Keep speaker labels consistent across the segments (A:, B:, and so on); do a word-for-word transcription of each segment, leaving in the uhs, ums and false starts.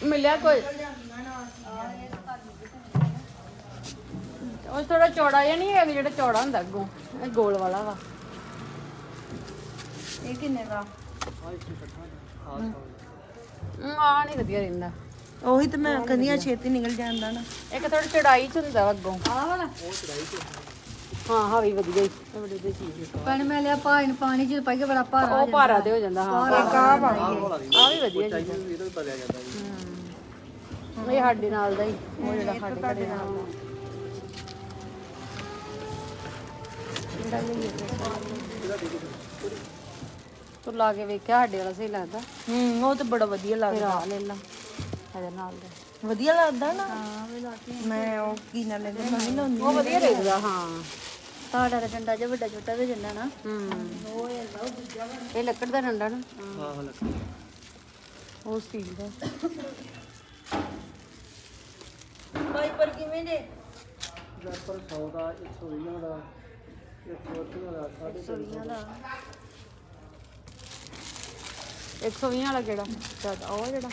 A: ਮਿਲਿਆ ਕੋਈ ਉਹ ਥੋੜਾ ਚੌੜਾ ਜਿਹਾ ਨਹੀਂ ਹੈਗਾ ਜਿਹੜਾ ਚੌੜਾ ਹੁੰਦਾ ਅੱਗੋਂ ਇਹ ਗੋਲ ਵਾਲਾ ਵਾ
B: ਇਹ ਕਿੰਨੇ ਦਾ
A: ਆ ਨਹੀਂ ਵਧੀਆ ਰਹਿੰਦਾ
B: ਉਹੀ ਤਾਂ ਮੈਂ ਕਹਿੰਦੀ ਆ ਛੇਤੀ ਨਿਕਲ ਜਾਂਦਾ ਨਾ
A: ਇੱਕ ਥੋੜਾ ਚੜਾਈ ਚ ਹੁੰਦਾ ਵਾ ਅੱਗੋਂ
B: ਆਹ ਵਾਲਾ
A: ਹਾਂ ਹਾਂ ਵੀ ਵਧੀਆ ਹੀ ਇਹ ਬੜੀ ਵਧੀਆ ਚੀਜ਼ ਹੈ
B: ਪਾਣੀ ਮੈਂ ਲਿਆ ਪਾਣੀ ਨੂੰ ਪਾਣੀ ਚ ਪਾਈ ਕੇ ਬੜਾ ਭਾਰਾ
A: ਉਹ ਭਾਰਾ ਤੇ ਹੋ ਜਾਂਦਾ ਹਾਂ
B: ਕਾ ਪਾਣੀ
A: ਆ ਵੀ ਵਧੀਆ ਚੀਜ਼ ਹੈ
C: ਇਹਦਾ ਵੀ ਤਲਿਆ ਜਾਂਦਾ ਜੀ
A: ਇਹ ਸਾਡੇ ਨਾਲ ਦਾ ਹੀ ਉਹ ਜਿਹੜਾ ਸਾਡੇ ਘਰੇ ਨਾਲ ਤੂੰ ਲਾ ਕੇ ਵੇਖਿਆ ਸਾਡੇ ਵਾਲਾ ਸਹੀ ਲੱਗਦਾ
B: ਹੂੰ ਉਹ ਤਾਂ ਬੜਾ ਵਧੀਆ
A: ਫਿਰ
B: ਲੱਗਦਾ
A: ਆ ਲੈ ਲਾ ਇਹਦੇ ਨਾਲ ਦਾ
B: ਵਧੀਆ ਲੱਗਦਾ ਨਾ ਹਾਂ ਵੀ ਲਾਤੀ ਮੈਂ ਉਹ ਕੀ ਨਾ ਲੈਂਦੇ ਮੈਂ ਵੀ ਲਾਉਂਦੀ
A: ਉਹ ਵਧੀਆ ਲੱਗਦਾ ਹਾਂ
B: ਸਾਡਾ ਤਾਂ ਡੰਡਾ ਜਿਹਾ ਵੱਡਾ ਛੋਟਾ ਵੀ ਜਾਂਦਾ ਨਾ
A: ਹੂੰ
B: ਉਹ ਹੈਗਾ ਉਹ ਦੂਜਾ
A: ਇਹ ਲੱਕੜ ਦਾ ਡੰਡਾ ਨਾ
C: ਹਾਂ ਹਾਂ ਲੱਗੀ
A: ਉਹ ਸਟੀਲ ਦਾ
B: ਵਾਈਪਰ ਕਿਵੇਂ ਦੇ
C: ਪਰ ਸੌ ਦਾ ਇੱਕ ਸੌ ਵੀਹ ਦਾ ਇੱਕ ਸੌ ਅੱਸੀ ਦਾ ਸਾਢੇ ਤਿੰਨ ਸੌ
B: ਦਾ
A: ਇੱਕ ਸੌ ਵੀਹ ਵਾਲਾ ਕਿਹੜਾ ਜ਼ਿਆਦਾ ਉਹ ਜਿਹੜਾ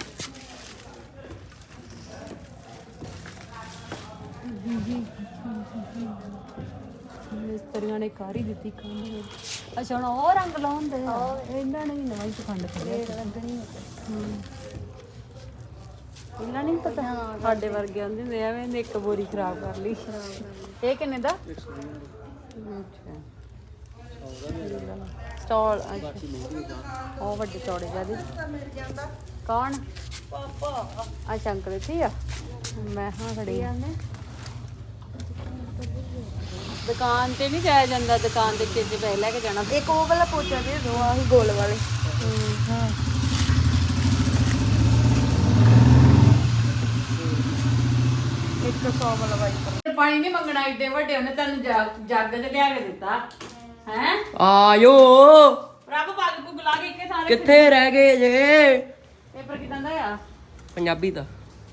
A: ਮਿਸਤਰੀਆਂ ਨੇ ਕਰ ਹੀ ਦਿੱਤੀ ਕੰਧ ਵਿੱਚ ਅੱਛਾ ਹੁਣ ਉਹ ਰੰਗ ਲਾਉਂਦੇ ਆ ਇਹਨਾਂ ਨੇ ਵੀ ਨਵਾਂ ਹੀ ਪਖੰਡ ਕਰਿਆ
B: ਲੱਗਣੀ
A: ਇਹਨਾਂ ਨਹੀਂ ਪਤਾ ਸਾਡੇ ਵਰਗੇ ਆਂਦੇ ਹੁੰਦੇ ਐਵੇਂ ਨੇ ਇੱਕ ਬੋਰੀ ਖਰਾਬ ਕਰ ਲਈ ਇਹ ਕਿੰਨੇ ਦਾ
C: ਇੱਕ ਸੌ ਵੀਹ
A: ਅੱਛਾ
C: ਸੌ ਦਾ
A: ਸਟਾਲ
C: ਬਾਕੀ ਮਹਿੰਗੀ ਦਾ
A: ਉਹ ਵੱਡੇ ਚੌੜੇ ਜਿਆਦੇ
B: ਮਿਲ ਜਾਂਦਾ
A: ਕੌਣ
B: ਪਾਪਾ
A: ਅੱਛਾ ਅੰਕਲ ਇੱਥੇ ਆ ਮੈਂ ਹਾਂ ਖੜੀ ਆ ਦੁਕਾਨ ਤੇ ਨਹੀਂ ਜਾਇਆ ਜਾਂਦਾ ਦੁਕਾਨ ਦੇ ਚੀਜ਼ ਪੈ ਲੈ ਕੇ ਜਾਣਾ
B: ਇੱਕ ਉਹ ਵਾਲਾ ਪੋਚਾ ਦੇ ਦੋ ਆਹੀ ਗੋਲ ਵਾਲੇ ਹਾਂ ਇੱਕ ਸੌ ਵਾਲਾ ਵਾਈਪਰ
A: ਪਾਣੀ ਨਹੀਂ ਮੰਗਣਾ ਏਡੇ ਵੱਡੇ ਉਹਨੇ ਤੁਹਾਨੂੰ ਜੱਗ ਤੇ ਲਿਆ ਕੇ ਦਿੱਤਾ ਹੈ
D: ਆਇਓ
A: ਰੱਬ ਪੱਗ ਪੁੱਗ ਲਾ ਕੇ ਇੱਕੇ ਸਾਰੇ
D: ਕਿੱਥੇ ਰਹਿ ਗਏ ਜੇ
A: ਪੇਪਰ ਕਿਦਾਂ ਦਾ ਆ
D: ਪੰਜਾਬੀ ਦਾ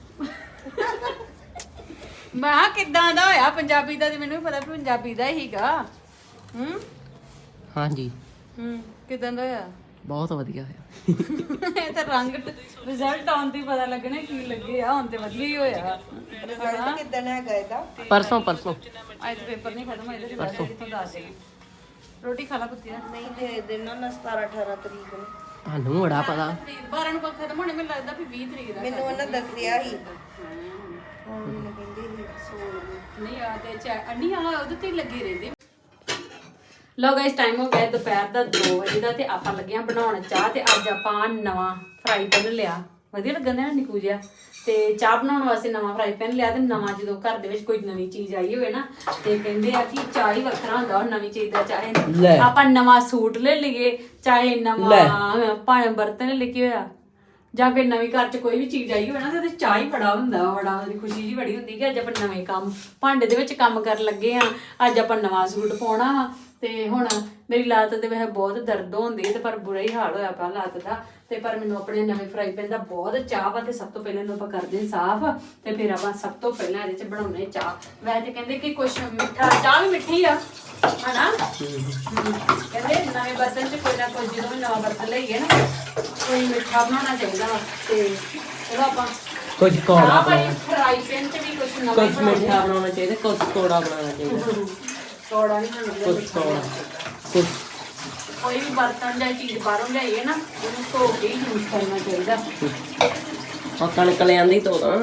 A: ਮੈਂ ਕਿਹਾ ਕਿੱਦਾਂ ਦਾ ਹੋਇਆ ਪੰਜਾਬੀ ਦਾ ਤੇ ਮੈਨੂੰ ਵੀ ਪਤਾ ਵੀ ਪੰਜਾਬੀ ਦਾ ਹੀਗਾ ਹੂੰ
D: ਹਾਂਜੀ
A: ਹੂੰ ਕਿਦਾਂ ਦਾ ਹੋਇਆ
D: ਬਹੁਤ ਵਧੀਆ ਹੋਇਆ
A: ਇਹ ਤਾਂ ਰੰਗ ਰਿਜ਼ਲਟ ਆਉਣ ਤੇ ਪਤਾ ਲੱਗਣਾ ਕੀ ਲੱਗੇ ਆ ਹੁਣ ਤੇ ਵਧੀਆ ਹੀ ਹੋਇਆ
B: ਰਿਜ਼ਲਟ ਕਿਦਾਂ ਹੈਗਾ ਇਹਦਾ
D: ਪਰਸੋਂ ਪਰਸੋਂ
A: ਅੱਜ ਪੇਪਰ ਨਹੀਂ ਖਤਮ ਹੋਇਆ ਤੇ ਬਾਅਦ ਕਿੱਥੋਂ ਦੱਸ ਦੇ ਰੋਟੀ ਖਾ ਲਾ ਪੁੱਤੀ
B: ਨਹੀਂ ਦੇ ਦੇਣਾ ਨਾ ਸਤਾਰਾਂ ਅਠਾਰਾਂ ਤਰੀਕ ਨੂੰ
D: ਤੁਹਾਨੂੰ ਬੜਾ ਪਤਾ
A: ਬਾਰਾਂ ਨੂੰ ਖਤਮ ਹੋਣੇ ਮੈਨੂੰ ਲੱਗਦਾ ਵੀ ਵੀਹ ਤਰੀਕ ਦਾ
B: ਮੈਨੂੰ ਉਹਨਾਂ ਦੱਸਿਆ ਹੀ ਹਾਂ ਮੈਨੂੰ ਕਹਿੰਦੇ ਸੀ ਸੋਲ ਨੂੰ
A: ਨਹੀਂ ਆ ਤੇ ਚੈ ਅੰਨੀ ਆ ਉਹਦੇ ਤੇ ਹੀ ਲੱਗੀ ਰਹਿੰਦੀ ਲੋ ਗਾਇਸ ਟਾਈਮ ਹੋ ਗਿਆ ਦੁਪਹਿਰ ਦਾ ਦੋ ਵਜੇ ਦਾ ਤੇ ਆਪਾਂ ਲੱਗੇ ਆ ਬਣਾਉਣ ਚਾਹ ਤੇ ਅੱਜ ਆਪਾਂ ਨਵਾਂ ਫਰਾਈ ਪੈਨ ਲਿਆ ਵਧੀਆ ਲੱਗਣ ਦਾ ਨਿਕੂ ਜਿਹਾ ਤੇ ਚਾਹ ਬਣਾਉਣ ਵਾਸਤੇ ਨਵਾਂ ਫਰਾਈ ਪੈਨ ਲਿਆ ਤੇ ਨਵਾਂ ਜਦੋਂ ਘਰ ਦੇ ਵਿੱਚ ਕੋਈ ਨਵੀਂ ਚੀਜ਼ ਆਈ ਹੋਵੇ ਨਾ ਤੇ ਕਹਿੰਦੇ ਆ ਕਿ ਚਾਹ ਹੀ ਵੱਖਰਾ ਹੁੰਦਾ ਉਹ ਨਵੀਂ ਚੀਜ਼ ਦਾ ਚਾਹੇ ਆਪਾਂ ਨਵਾਂ ਸੂਟ ਲੈ ਲਈਏ ਚਾਹੇ ਨਵਾਂ ਭਾਵੇਂ ਬਰਤਨ ਲੈ ਕੇ ਹੋਇਆ ਜਾਂ ਫਿਰ ਨਵੀਂ ਘਰ 'ਚ ਕੋਈ ਵੀ ਚੀਜ਼ ਆਈ ਹੋਵੇ ਨਾ ਤੇ ਉਹਦੇ ਚਾਹ ਹੀ ਬੜਾ ਹੁੰਦਾ ਬੜਾ ਉਹਦੀ ਖੁਸ਼ੀ ਜੀ ਬੜੀ ਹੁੰਦੀ ਕਿ ਅੱਜ ਆਪਾਂ ਨਵੇਂ ਕੰਮ ਭਾਂਡੇ ਦੇ ਵਿੱਚ ਕੰਮ ਕਰਨ ਲੱਗੇ ਆ ਅੱਜ ਆਪਾਂ ਨਵਾਂ ਸੂਟ ਪਾਉਣਾ ਵਾ ਤੇ ਹੁਣ ਮੇਰੀ ਲੱਤ ਦੇ ਵਿੱਚ ਬਹੁਤ ਦਰਦ ਹੁੰਦੀ ਤੇ ਪਰ ਬੁਰਾ ਹੀ ਹਾਲ ਹੋਇਆ ਪਿਆ ਲੱਤ ਦਾ ਤੇ ਪਰ ਮੈਨੂੰ ਆਪਣੇ ਨਵੇਂ ਫਰਾਈ ਪੈਨ ਦਾ ਬਹੁਤ ਚਾਹ ਵਾ ਤੇ ਸਭ ਤੋਂ ਪਹਿਲਾਂ ਇਹਨੂੰ ਆਪਾਂ ਕਰਦੇ ਹਾਂ ਸਾਫ਼ ਤੇ ਫਿਰ ਆਪਾਂ ਸਭ ਤੋਂ ਪਹਿਲਾਂ ਇਹਦੇ 'ਚ ਬਣਾਉਣੇ ਚਾਹ ਵੈਸੇ ਕਹਿੰਦੇ ਕਿ ਕੁਛ ਮਿੱਠਾ ਚਾਹ ਵੀ ਮਿੱਠੀ ਆ ਹਨਾ ਕਹਿੰਦੇ ਨਵੇਂ ਬਰਤਨ 'ਚ ਕੋਈ ਨਾ ਕੋਈ ਜਦੋਂ ਵੀ ਨਵਾਂ ਬਰਤਨ ਲਈਏ ਨਾ ਕੋਈ ਮਿੱਠਾ ਬਣਾਉਣਾ ਚਾਹੀਦਾ ਵਾ ਤੇ ਚਲੋ ਆਪਾਂ
D: ਕੁਝ ਕੋੜਾ
A: ਭਾਈ ਫਰਾਈ ਪੈਨ 'ਚ ਵੀ ਕੁਛ ਨਵਾਂ
D: ਕੁਝ ਮਿੱਠਾ ਬਣਾਉਣਾ ਚਾਹੀਦਾ ਕੁਝ ਕੋੜਾ ਬਣਾਉਣਾ ਚਾਹੀਦਾ
A: ਕੋੜਾ ਨਹੀਂ ਬਣਾਉਣਾ
D: ਕੁਝ ਕੋੜਾ ਕੁਝ
A: ਕੋਈ ਵੀ ਬਰਤਨ ਜਾਂ ਚੀਜ਼ ਬਾਹਰੋਂ ਲਿਆਈਏ ਨਾ ਉਹਨੂੰ ਧੋ ਕੇ ਹੀ ਯੂਜ਼ ਕਰਨਾ ਚਾਹੀਦਾ
D: ਆ ਕਣਕ ਲਿਆਂਦੀ ਤੋਂ ਤਾਂ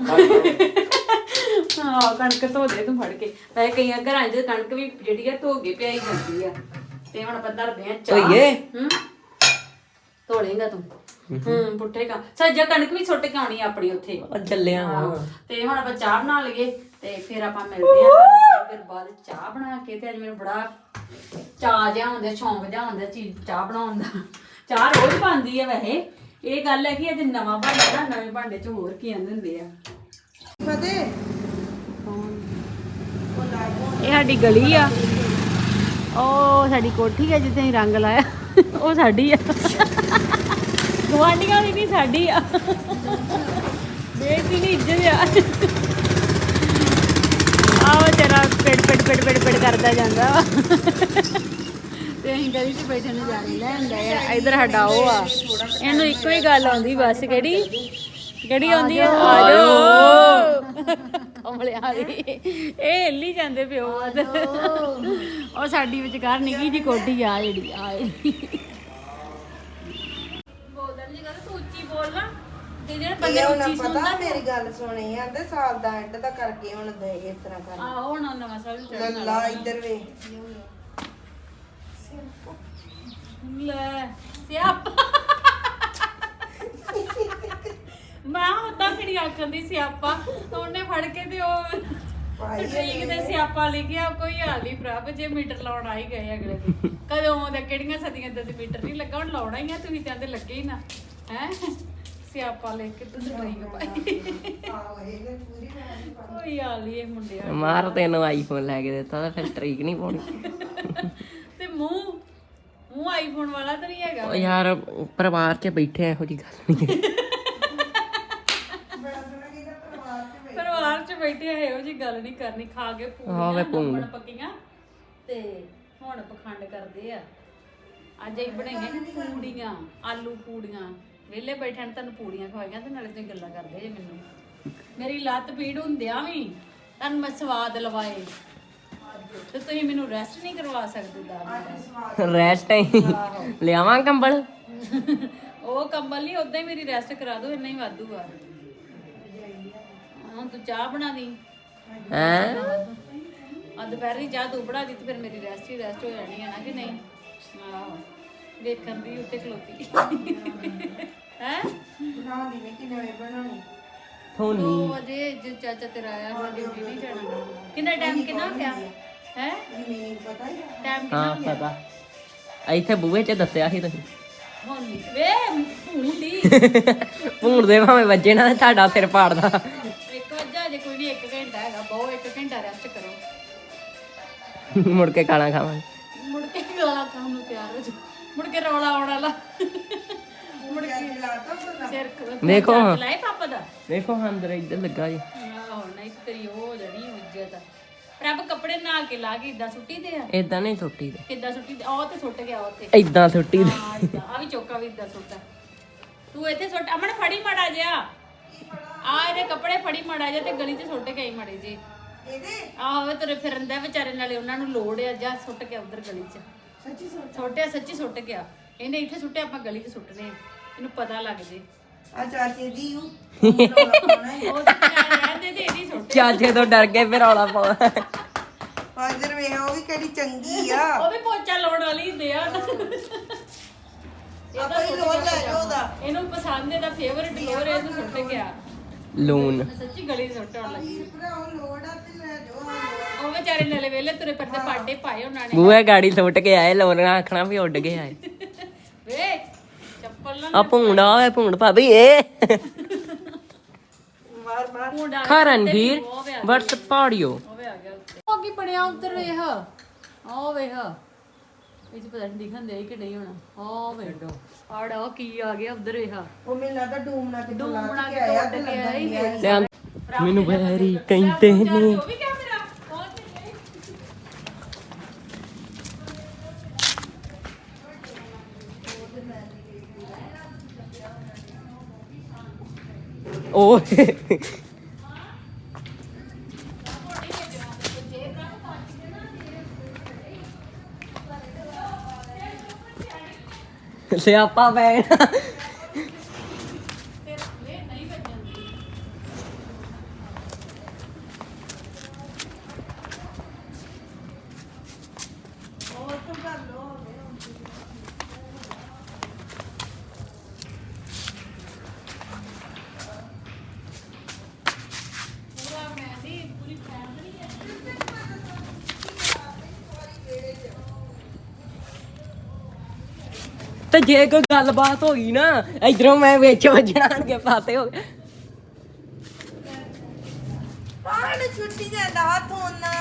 A: ਹਾਂ ਕਣਕ ਧੋ ਦੇ ਤੂੰ ਫੜ ਕੇ ਵੈਸੇ ਕਈਆਂ ਘਰਾਂ 'ਚ ਕਣਕ ਵੀ ਜਿਹੜੀ ਆ ਧੋ ਕੇ ਪਿਆਈ ਜਾਂਦੀ ਆ ਤੇ ਹੁਣ ਆਪਾਂ ਧਰਦੇ ਆ ਚਾਹ
D: ਧੋਈਏ
A: ਹੂੰ ਧੋ ਲੇਗਾ ਤੂੰ ਹੂੰ ਪੁੱਠੇ ਕਾ ਸੱਜਾ ਕਣਕ ਵੀ ਸੁੱਟ ਕੇ ਆਉਣੀ ਆਪਣੀ ਉੱਥੇ
D: ਆ ਚੱਲਿਆ ਵਾ
A: ਤੇ ਹੁਣ ਆਪਾਂ ਚਾਹ ਬਣਾ ਲਈਏ ਤੇ ਫਿਰ ਆਪਾਂ ਮਿਲਦੇ ਆ ਫਿਰ ਬਾਅਦ ਚਾਹ ਬਣਾ ਕੇ ਤੇ ਅੱਜ ਮੈਨੂੰ ਬੜਾ ਚਾਹ ਜਿਹਾ ਹੁੰਦਾ ਸ਼ੌਂਕ ਜਿਹਾ ਹੁੰਦਾ ਚੀਜ਼ ਚਾਹ ਬਣਾਉਣ ਦਾ ਚਾਹ ਰੋਜ਼ ਬਣਦੀ ਆ ਵੈਸੇ ਇਹ ਗੱਲ ਹੈ ਕਿ ਅੱਜ ਨਵਾਂ ਭਾਂਡਾ ਨਾ ਨਵੇਂ ਭਾਂਡੇ 'ਚ ਹੋਰ ਕੀ ਆਂਦੇ ਹੁੰਦੇ ਆ
B: ਫਤਿਹ
A: ਇਹ ਸਾਡੀ ਗਲੀ ਆ ਉਹ ਸਾਡੀ ਕੋਠੀ ਆ ਜਿੱਥੇ ਅਸੀਂ ਰੰਗ ਲਾਇਆ ਉਹ ਸਾਡੀ ਆ ਗੁਆਂਢੀਆਂ ਦੀ ਨਹੀਂ ਸਾਡੀ ਆ ਬੇਟੀ ਦੀ ਇੱਜ਼ਤ ਆ ਆਹ ਤੇਰਾ ਪਿੜ ਪਿੜ ਪਿੜ ਪਿੜ ਪਿੜ ਕਰਦਾ ਜਾਂਦਾ ਵਾ ਤੇ ਅਸੀਂ ਗਲੀ 'ਚ ਬੈਠੇ ਨਜ਼ਾਰੇ ਲੈਣ ਗਏ ਆ ਇੱਧਰ ਸਾਡਾ ਉਹ ਆ ਇਹਨੂੰ ਇੱਕੋ ਹੀ ਗੱਲ ਆਉਂਦੀ ਬਸ ਕਿਹੜੀ ਕਿਹੜੀ ਆਉਂਦੀ ਆ ਆ ਜਾਓ ਕਮਲਿਆਂ ਵਾਲੀ ਇਹ ਹਿੱਲੀ ਜਾਂਦੇ ਪਿਓ ਉਹ ਸਾਡੀ ਵਿਚਕਾਰ ਨਿੱਕੀ ਜੀ ਕੋਠੀ ਆ ਜਿਹੜੀ ਆ ਬੋਲਣ ਜੀ ਕਰ ਤੂੰ ਉੱਚੀ ਬੋਲ ਨਾ ਤੇ ਜਿਹੜੇ ਬੰਦੇ
B: ਇਹ ਉਹਨਾਂ
A: ਉੱਚੀ
B: ਪਤਾ
A: ਸੁਣਦਾ
B: ਮੇਰੀ ਗੱਲ ਸੁਣੀ ਆਂਦੇ ਸਾਲ ਦਾ ਐਂਡ ਦਾ ਕਰਕੇ ਹੁਣ ਦੇ ਇਸ ਤਰ੍ਹਾਂ ਕਰ
A: ਆ ਹੁਣ ਨਵਾਂ ਸਾਲ ਚੜ੍ਹਨ ਵਾਲਾ।
B: ਲੱਲਾ ਇੱਧਰ ਵੇ
A: ਲੈ ਸਿਆਪਾ ਮੈਂ ਉਦਾਂ ਕਿਹੜੀ ਆਖਣ ਦੀ ਸਿਆਪਾ ਉਹਨੇ ਫੜ ਕੇ ਤੇ ਉਹ ਠੀਕ ਤੇ ਸਿਆਪਾ ਲਿਖਿਆ ਕੋਈ ਹਾਲ ਨਹੀਂ ਪ੍ਰਭ ਜੇ ਮੀਟਰ ਲਾਉਣ ਆ ਹੀ ਗਏ ਅਗਲੇ ਦਿਨ ਕਦੋਂ ਦੇ ਕਿਹੜੀਆਂ ਸਦੀਆਂ ਦੇ ਮੀਟਰ ਨਹੀਂ ਲੱਗਾ ਹੁਣ ਲਾਉਣਾ ਹੀ ਆ ਤੁਸੀਂ ਕਹਿੰਦੇ ਲੱਗੇ ਹੀ ਨਾ ਹੈ ਸਿਆਪਾ ਲਿਖ ਕੇ ਤੁਸੀਂ ਠੀਕ ਪਾਈ ਕੋਈ ਹਾਲ ਨਹੀਂ ਇਹ ਮੁੰਡਿਆਂ
D: ਮਾਰ ਤੈਨੂੰ ਆਈਫੋਨ ਲੈ ਕੇ ਦਿੱਤਾ ਤਾਂ ਫਿਰ ਸਟ੍ਰੀਕ ਨਹੀਂ ਪਾਉਣੀ
A: ਤੇ ਮੂੰਹ ਮੂੰਹ ਆਈਫੋਨ ਵਾਲਾ ਤਾਂ ਨਹੀਂ ਹੈਗਾ
D: ਉਹ ਯਾਰ ਪਰਿਵਾਰ 'ਚ ਬੈਠੇ ਇਹੋ ਜੀ ਗੱਲ ਨਹੀਂ
A: ਪਰਿਵਾਰ 'ਚ ਬੈਠੇ ਇਹੋ ਜੀ ਗੱਲ ਨਹੀਂ ਕਰਨੀ ਖਾ ਕੇ
D: ਹਾਂ ਵੇ
A: ਪੂਰੀਆਂ
D: ਭੂੰਗ।
A: ਨੰਬਣ ਪੱਕੀਆਂ ਤੇ ਹੁਣ ਪਖੰਡ ਕਰਦੇ ਆ ਅੱਜ ਅਸੀਂ ਬਣਾਈਆਂ ਪੂੜੀਆਂ ਆਲੂ ਪੂੜੀਆਂ ਵਿਹਲੇ ਬੈਠੇ ਨੇ ਤੁਹਾਨੂੰ ਪੂੜੀਆਂ ਖਵਾਈਆਂ ਤੇ ਨਾਲੇ ਤੁਸੀਂ ਗੱਲਾਂ ਕਰਦੇ ਜੇ ਮੈਨੂੰ ਮੇਰੀ ਲੱਤ ਪੀੜ ਹੁੰਦਿਆਂ ਵੀ ਤੁਹਾਨੂੰ ਮੈਂ ਸਵਾਦ ਲਵਾਏ ਤੇ ਤੁਸੀਂ ਮੈਨੂੰ ਰੈਸਟ ਨਹੀਂ ਕਰਵਾ ਸਕਦੇ ਦਾਲ
D: ਰੈਸਟ ਲਿਆਵਾਂ ਕੰਬਲ
A: ਉਹ ਕੰਬਲ ਨਹੀਂ ਉਦਾਂ ਹੀ ਮੇਰੀ ਰੈਸਟ ਕਰਾ ਦਿਓ ਇੰਨਾ ਹੀ ਵਾਧੂ ਆ ਹੁਣ ਤੂੰ ਚਾਹ ਬਣਾ ਦੀ
D: ਹੈ
A: ਆ ਦੁਪਹਿਰੀ ਚਾਹ ਤੂੰ ਬਣਾ ਦੀ ਤੇ ਫਿਰ ਮੇਰੀ ਰੈਸਟ ਹੀ ਰੈਸਟ ਹੋ ਜਾਣੀ ਹੈ ਨਾ ਕਿ ਨਹੀਂ ਆਹੋ ਵੇਖਣ ਦੀ ਉੱਤੇ ਖਲੋਤੀ ਹੈ
B: ਬਣਾ ਦੀ ਨੇ ਕਿੰਨੇ ਵੇ ਬਣਾਉਣੀ
D: ਥੋਨੀ
A: ਦੋ ਵਜੇ ਜੇ ਚਾਚਾ ਤੇਰਾ ਆਇਆ ਹੁਣ ਡਿਊਟੀ ਨਹੀਂ ਜਾਣਾ ਕਿੰਨਾ ਟਾਈਮ ਕਿੰਨਾ ਪਿਆ ਹੈ
B: ਮੈਨੂੰ ਪਤਾ ਹੀ ਆ
A: ਟਾਈਮ ਕਿੰਨਾ
D: ਹਾਂ
A: ਹੋ ਗਿਆ
D: ਪਤਾ ਇੱਥੇ ਬੂਹੇ 'ਚ ਦੱਸਿਆ ਸੀ ਤੁਸੀਂ
A: ਹੁਣ ਨੀ। ਵੇ ਭੂੰਡੀ
D: ਭੂਣ ਦੇ ਭਾਵੇਂ ਵੱਜੇ ਨਾ ਤੇ ਤੁਹਾਡਾ ਸਿਰ ਪਾੜਦਾ
A: ਇੱਕ ਵਜਾ ਜੇ ਕੋਈ ਨਹੀਂ ਇੱਕ ਘੰਟਾ ਹੈਗਾ ਬਹੁ ਇੱਕ ਘੰਟਾ ਰੈਸਟ ਕਰੋ
D: ਮੁੜ ਕੇ ਖਾਣਾ ਖਾਵਾਂਗੇ
A: ਮੁੜ ਕੇ ਗਾਲਾਂ ਖਾਣ ਨੂੰ ਤਿਆਰ ਹੋ ਜਾ ਮੁੜ ਕੇ ਰੌਲਾ ਆਉਣ ਵਾਲਾ ਮੁੜ ਕੇ ਸਿਰ ਖ-
D: ਦੇਖੋ ਹਾਂ।
A: ਲਾਏ ਪਾਪਾ ਦਾ
D: ਵੇਖੋ ਅੰਦਰ ਇੱਧਰ ਲੱਗਾ ਜੀ
A: ਆਹੋ ਨਹੀਂ ਤੇ ਤੇਰੀ ਉਹ ਹੋ ਜਾਣੀ ਇੱਜ਼ਤ ਪ੍ਰਭ ਕੱਪੜੇ ਨਾਲ ਕੇ ਲਾ ਕੇ ਇਦਾਂ ਸੁੱਟੀ ਦੇ ਆ
D: ਇਦਾਂ ਨਹੀਂ ਸੁੱਟੀ ਦੇ
A: ਕਿੱਦਾਂ ਸੁੱਟੀ ਦੇ ਉਹ ਤੇ ਸੁੱਟ ਗਿਆ ਉੱਥੇ
D: ਇਦਾਂ ਸੁੱਟੀ ਦੇ
A: ਹਾਂ ਏਦਾਂ। ਆ ਵੀ ਚੌਕਾ ਵੀ ਇਦਾਂ ਸੁੱਟਾ ਤੂੰ ਇੱਥੇ ਸੁੱਟ ਅਮਨ ਫੜੀ ਮੜਾ ਜਿਆ ਆ ਇਹਦੇ ਕੱਪੜੇ ਫੜੀ ਮੜਾ ਜਿਆ ਤੇ ਗਲੀ 'ਚ ਸੁੱਟ ਕੇ ਆਈ ਮੜੇ ਜੀ
B: ਇਹਦੇ
A: ਆਹੋ ਤੁਰੇ ਫਿਰਨ ਦਾ ਵਿਚਾਰੇ ਨਾਲੇ ਉਹਨਾਂ ਨੂੰ ਲੋੜ ਆ ਜਾਂ ਸੁੱਟ ਕੇ ਉਧਰ ਗਲੀ 'ਚ
B: ਸੱਚੀ ਸੋਚ
A: ਸੁੱਟਿਆ ਸੱਚੀ ਸੁੱਟ ਗਿਆ ਇਹਨੇ ਇੱਥੇ ਸੁੱਟਿਆ ਆਪਾਂ ਗਲੀ 'ਚ ਸੁੱਟਨੇ ਆ। ਇਹਨੂੰ ਪਤਾ ਲੱਗ ਜੇ
B: ਆ ਚਾਚੇ ਦੀ ਹੂੰ ਪਾਉਣਾ ਹੈ
A: ਉਹ ਰਹਿੰਦੇ ਤੇ ਇਹਦੀ ਸੁੱਟ
D: ਚਾਚੇ ਤੋਂ ਡਰ ਕੇ ਫਿਰ ਰੌਲਾ ਪਾਉ
B: ਹਾਜ਼ਰ ਵੇ ਉਹ ਵੀ ਕਿਹੜੀ ਚੰਗੀ ਆ
A: ਉਹ ਵੀ ਪੋਚਾ ਲਾਉਣ ਵਾਲੀ ਹੁੰਦੇ ਆ
B: ਆਪਾਂ ਹੀ ਲੋੜ ਲੈ ਲਓ ਉਹਦਾ
A: ਇਹਨੂੰ ਪਸੰਦ ਇਹਦਾ ਫੇਵਰਿਟ ਲੋਰ ਹੈ ਇਹਨੂੰ ਸੁੱਟ ਗਿਆ
D: ਲੂਨ
A: ਮੈਂ ਸੱਚੀ ਗਲੀ 'ਚ ਸੁੱਟਣ ਲੱਗੀ
B: ਭਰਾ ਉਹ ਲੋੜ ਆ ਤੇ ਲੈ ਜਾਓ ਹਾਂ ਲੋੜ
A: ਉਹ ਵਿਚਾਰੇ ਨਲੇ ਵੇਲੇ ਤੁਰੇ ਫਿਰਦੇ ਪਾਟੇ ਪਾਏ ਉਹਨਾਂ ਨੇ
D: ਬੂਹੇ ਗਾੜੀ ਸੁੱਟ ਕੇ ਆਏ ਲੋਨ ਆਖਣਾ ਵੀ ਉੱਡ ਗਏ ਆਏ
A: ਵੇ ਚੱਪਲ ਨਾ
D: ਆ ਭੂੰਡ ਆਵੇ ਭੂੰਡ ਭਾਬੀ ਏ
B: ਮਾਰ ਮਾਰ
A: ਮੁੰਡਾ
D: ਕਰਨਵੀਰ ਵਟਸ ਪਾੜਿਓ
A: ਉਹ ਵੀ ਆ ਗਿਆ ਉੱਤੇ ਉਹ ਕੀ ਬਣਿਆ ਉੱਧਰ ਵੇਖ ਆਹ ਵੇਖ ਇਹ ਚ ਪਤਾ ਨਹੀਂ ਦਿਖਣ ਦੇ ਕਿ ਨਹੀਂ ਹੋਣਾ ਆਹ ਵੇਖ ਆੜਾ ਉਹ ਕੀ ਆ ਗਿਆ ਉੱਧਰ ਵੇਖ
B: ਉਹ ਮੈਨੂੰ ਲੱਗਦਾ ਡੂਮਣਾ ਤੇ
A: ਡੂਮ ਬਣਾ
B: ਕੇ
A: ਕੇ
B: ਆਇਆ
A: ਉੱਡ
B: ਤੇ
A: ਕੇ ਆਇਆ ਹੀ
B: ਲੱਗਦਾ
A: ਵੇਖ।
D: ਮੈਨੂੰ ਵੈਰੀ ਕਹਿੰਦੇ ਨੇ
A: ਉਹ ਵੀ ਕਿਆ ਮੇਰਾ ਪਹੁੰਚ ਗਈ
D: ਉਹ ਸਿਆਪਾ ਪੈ ਗਿਆ ਤੇ ਜੇ ਕੋਈ ਗੱਲਬਾਤ ਹੋ ਗਈ ਨਾ ਇਧਰੋਂ ਮੈਂ ਵਿੱਚ ਵੱਜਣਾਂਗੇ ਪਾਸੇ ਹੋ ਗਏ
B: ਪਾਣ ਛੁੱਟੀ ਜਾਂਦਾ ਹੱਥ ਹੋਣਾ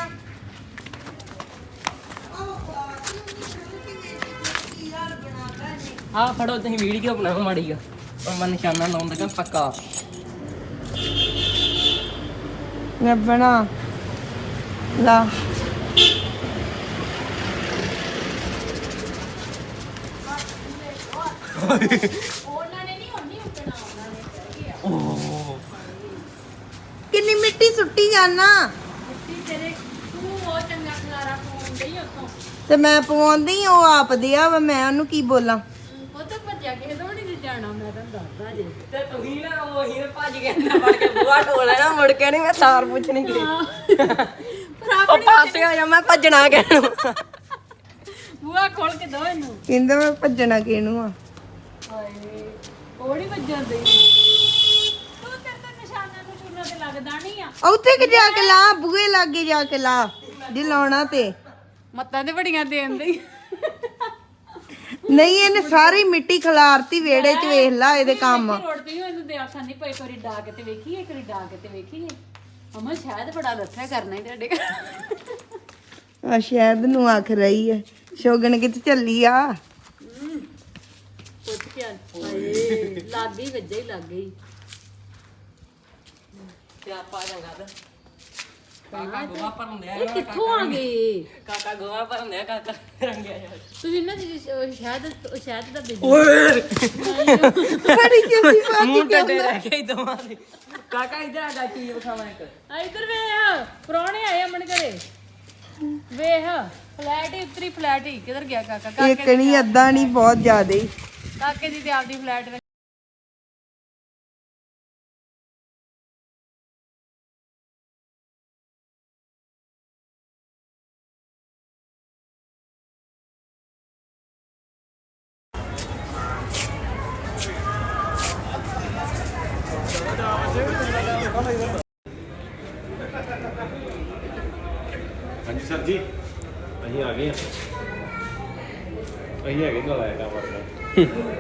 D: ਆ ਫੜੋ ਤੁਸੀਂ ਵੀਡੀਓ ਬਣਾਓ ਮਾੜੀ ਆ ਉਹ ਮੈਂ ਨਿਸ਼ਾਨਾ ਲਾਉਣ ਲੱਗਾ ਪੱਕਾ
B: ਮੈਂ ਬਣਾ ਲਾ
A: ਉਹਨਾਂ ਨੇ ਨਹੀਂ ਹੁੰਦੀ ਉੱਟਣਾ ਉਹਨਾਂ ਨੇ ਕਹਿ ਗਿਆ
B: ਮਿੱਟੀ ਸੁੱਟੀ ਜਾਣਾ
A: ਮਿੱਟੀ ਤੇਰੇ ਤੂੰ ਉਹ ਚੰਗਾ ਖਲਾਰਾ ਪਾਉਣ ਡਈ ਉੱਥੋਂ
B: ਤੇ ਮੈਂ ਪਵਾਉਂਦੀ ਉਹ ਆਪ ਦਿਆ ਵਾ ਮੈਂ ਉਹਨੂੰ ਕੀ ਬੋਲਾਂ
A: ਉਹ ਤਾਂ ਭੱਜਿਆ ਕਿਸੇ ਤੋਂ ਨਹੀਂ ਜਾਣਾ ਮੈਂ ਤਾਂ ਦੱਸਦਾ ਜੇ
D: ਤੇ ਤੁਸੀਂ ਨਾ ਉਹੀ ਭੱਜ ਕੇ ਅੰਦਰ ਵੜ ਕੇ ਬੂਹਾ ਢੋ ਲੈਣਾ ਮੁੜ ਕੇ ਨਹੀਂ ਮੈਂ ਸਾਰ ਪੁੱਛਣੀ ਕਿ
A: ਪਰ
D: ਉਹ
A: ਆਪਣੀ
D: ਪਾਸੇ ਆ ਜਾ ਮੈਂ ਭੱਜਣਾ ਕਿਹਨੂੰ
A: ਬੂਆ ਖੋਲ ਕੇ ਦੋ ਇਹਨੂੰ
B: ਕਹਿੰਦਾ ਮੈਂ ਭੱਜਣਾ ਕਿਹਨੂੰ ਆ
A: ਹਾਏ ਉਹ ਨਹੀਂ ਵੱਜਣ ਦੇ ਤੂੰ ਤੇਰੇ ਤਾਂ ਨਿਸ਼ਾਨਾਂ ਨੂੰ ਚੂਨਾ ਤੇ ਲੱਗਦਾ ਨਹੀਂ ਆ
B: ਉੱਥੇ ਕਿ ਜਾ ਕੇ ਲਾ ਬੂਹੇ ਲਾਗੇ ਜਾ ਕੇ ਲਾ ਜੇ ਲਾਉਣਾ ਤੇ
A: ਮੱਤਾਂ ਤੇ ਬੜੀਆਂ ਦੇਣ ਦੇ
B: ਨਹੀਂ ਇਹਨੇ ਸਾਰੀ ਮਿੱਟੀ ਖਿਲਾਰਤੀ ਵਿਹੜੇ 'ਚ ਵੇਖ ਲਾ ਇਹਦੇ ਕੰਮ
A: ਰੋੜਦੀ ਇਹਨੂੰ ਦੇ ਆਖਾਂ ਨਹੀਂ ਪਈ ਕੋਰੀ ਡਾ ਕੇ ਤੇ ਵੇਖੀਏ ਕੋਰੀ ਡਾ ਕੇ ਤੇ ਵੇਖੀਏ ਅਮਾ ਸ਼ਾਇਦ ਬੜਾ ਲੱਥਾ ਕਰਨਾ ਹੀ ਤੁਹਾਡੇ ਘਰ
B: ਆ ਸ਼ਾਇਦ ਨੂੰ ਆਖ ਰਹੀ ਹੈ ਸ਼ੋਗਨ ਕਿਤੇ ਚੱਲੀ ਆ
A: ਪੁੱਛ ਕੇ ਆ ਹਾਏ ਲੱਗ ਗਈ ਵੱਜਾ ਹੀ ਲੱਗ ਗਈ
D: ਤੇ ਆਪਾਂ ਚੰਗਾ ਤੇ ਕਾਕਾ ਗੋਹਾ ਭਰਨ ਦਿਆ
A: ਇਹ ਕਿੱਥੋਂ ਆ ਗਏ
D: ਕਾਕਾ ਗੋਹਾ ਭਰਨ ਦਿਆ ਕਾਕਾ ਰੰਗਿਆ ਜਾ
A: ਤੁਸੀਂ ਨਾ ਜੀ ਸ਼ਾਇਦ ਸ਼ਾਇਦ ਦਾ ਬਿਜ਼ਨਸ
D: ਓਏ
B: ਬੜੀ ਕਿਉਂ ਪਾ
D: ਮੂੰਹ ਟੱਡੇ ਰਹਿ ਗਏ ਦੋਵਾਂ ਦੇ ਕਾਕਾ ਇਧਰ ਆ ਜਾ ਚੀਜ਼ ਵਿਖਾਵਾਂ ਇੱਕ
A: ਆ ਇਧਰ ਵੇਖ ਪ੍ਰਾਹੁਣੇ ਆਏ ਅਮਨ ਘਰੇ ਵੇਖ ਫਲੈਟ ਹੀ ਉਤਰੀ ਫਲੈਟ ਹੀ ਕਿੱਧਰ ਗਿਆ ਕਾਕਾ ਕਾਕੇ
B: ਇੱਕ ਨਹੀਂ ਅੱਧਾ ਨਹੀਂ ਬਹੁਤ ਜ਼ਿਆਦਾ ਹੀ
A: ਕਾਕੇ ਦੀ ਤੇ ਆਪਦੀ ਫਲੈਟ ਵਿੱਚ
E: ਹਾਂਜੀ ਸਰ ਜੀ ਅਸੀਂ ਆ ਗਏ ਹਾਂ ਅਸੀਂ ਹੈਗੇ ਨਾਲ ਆਇਆ ਕੰਮ ਕਰਦਾ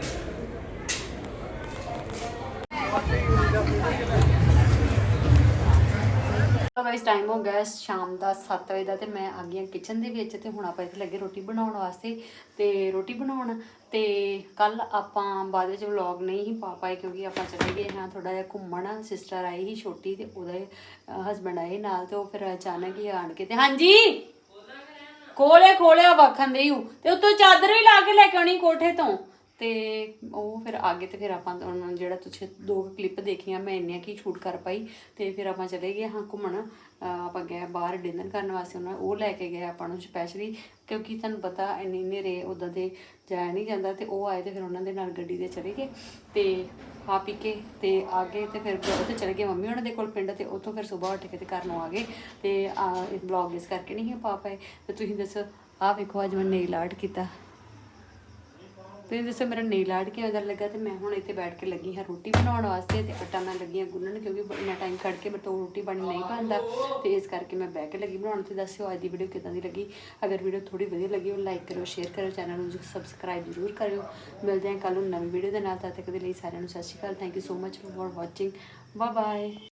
A: ਗਾਇਸ ਟਾਈਮ ਹੋ ਗਿਆ ਸ਼ਾਮ ਦਾ ਸੱਤ ਵਜੇ ਦਾ ਤੇ ਮੈਂ ਆ ਗਈ ਕਿਚਨ ਦੇ ਵਿੱਚ ਤੇ ਹੁਣ ਆਪਾਂ ਇੱਥੇ ਲੱਗੇ ਰੋਟੀ ਬਣਾਉਣ ਵਾਸਤੇ ਤੇ ਰੋਟੀ ਬਣਾਉਣ ਤੇ ਕੱਲ ਆਪਾਂ ਬਾਅਦ ਵਿੱਚ ਵਲੌਗ ਨਹੀਂ ਹੀ ਪਾ ਪਾਏ ਕਿਉਂਕਿ ਆਪਾਂ ਚਲੇ ਗਏ ਹਾਂ ਥੋੜਾ ਜਿਹਾ ਘੁੰਮਣ ਸਿਸਟਰ ਆਈ ਸੀ ਛੋਟੀ ਤੇ ਉਹਦੇ ਹਸਬੰਡ ਆਏ ਨਾਲ ਤੇ ਉਹ ਫਿਰ ਅਚਾਨਕ ਹੀ ਆਣ ਕੇ ਤੇ ਹਾਂਜੀ ਖੋਲੇ ਖੋਲਿਆ ਵਖਣ ਦੇ ਹੂੰ ਤੇ ਉੱਤੋਂ ਚਾਦਰ ਵੀ ਲਾ ਕੇ ਲੈ ਕੇ ਆਉਣੀ ਕੋਠੇ ਤੋਂ ਤੇ ਉਹ ਫਿਰ ਆਗੇ ਤੇ ਫਿਰ ਆਪਾਂ ਉਹਨਾਂ ਜਿਹੜਾ ਤੁਸੀਂ ਦੋ ਕਲਿੱਪ ਦੇਖੀਆਂ ਮੈਂ ਇੰਨੀਆਂ ਕੀ ਸ਼ੂਟ ਕਰ ਪਾਈ ਤੇ ਫਿਰ ਆਪਾਂ ਚਲੇ ਗਏ ਹਾਂ ਘੁੰਮਣ ਆਪਾਂ ਗਏ ਬਾਹਰ ਡਿਨਰ ਕਰਨ ਵਾਸਤੇ ਉਹਨਾਂ ਉਹ ਲੈ ਕੇ ਗਏ ਆਪਾਂ ਨੂੰ ਸਪੈਸ਼ਲੀ ਕਿਉਂਕਿ ਤੁਹਾਨੂੰ ਪਤਾ ਇੰਨੇ ਹਨੇਰੇ ਉੱਦਾਂ ਦੇ ਜਾਇਆ ਨਹੀਂ ਜਾਂਦਾ ਤੇ ਉਹ ਆਏ ਤੇ ਫਿਰ ਉਹਨਾਂ ਦੇ ਨਾਲ ਗੱਡੀ ਦੇ ਚਲੇ ਗਏ ਤੇ ਖਾ ਪੀ ਕੇ ਤੇ ਆ ਗਏ ਤੇ ਫਿਰ ਉੱਥੇ ਚਲੇ ਗਏ ਮੰਮੀ ਉਹਨਾਂ ਦੇ ਕੋਲ ਪਿੰਡ ਤੇ ਉੱਥੋਂ ਫਿਰ ਸਵੇਰ ਉੱਠ ਕੇ ਤੇ ਘਰ ਨੂੰ ਆ ਗਏ ਤੇ ਇਹ ਵਲੌਗ ਇਸ ਕਰਕੇ ਨਹੀਂ ਪਾ ਪਾਏ ਤੇ ਤੁਸੀਂ ਦੱਸੋ ਆਹ ਵੇਖੋ ਅੱਜ ਮੈਂ ਨੇਲ ਆਰਟ ਕੀਤਾ ਤੁਸੀਂ ਦੱਸੋ ਮੇਰਾ ਨੇਲ ਆਰਟ ਕਿਵੇਂ ਦਾ ਲੱਗਾ ਤੇ ਮੈਂ ਹੁਣ ਇੱਥੇ ਬੈਠ ਕੇ ਲੱਗੀ ਹਾਂ ਰੋਟੀ ਬਣਾਉਣ ਵਾਸਤੇ ਤੇ ਆਟਾ ਮੈਂ ਲੱਗੀ ਹਾਂ ਗੁੰਨਣ ਕਿਉਂਕਿ ਇੰਨਾ ਟਾਈਮ ਕੱਢ ਕੇ ਮੇਰੇ ਤੋਂ ਰੋਟੀ ਬਣ ਨਹੀਂ ਪਾਉਂਦਾ ਤੇ ਇਸ ਕਰਕੇ ਮੈਂ ਬਹਿ ਕੇ ਲੱਗੀ ਬਣਾਉਣ ਤੇ ਦੱਸਿਓ ਅੱਜ ਦੀ ਵੀਡੀਓ ਕਿੱਦਾਂ ਦੀ ਲੱਗੀ ਅਗਰ ਵੀਡੀਓ ਥੋੜੀ ਵਧੀਆ ਲੱਗੀ ਉਹ ਲਾਈਕ ਕਰਿਓ ਸ਼ੇਅਰ ਕਰਿਓ ਚੈਨਲ ਨੂੰ ਸਬਸਕ੍ਰਾਈਬ ਜ਼ਰੂਰ ਕਰਿਓ ਮਿਲਦੇ ਹਾਂ ਕੱਲ੍ਹ ਨੂੰ ਨਵੀਂ ਵੀਡੀਓ ਦੇ ਨਾਲ ਤਦ ਤੱਕ ਦੇ ਲਈ ਸਾਰਿਆਂ ਨੂੰ Sat Sri Akal thank you so much for watching bye bye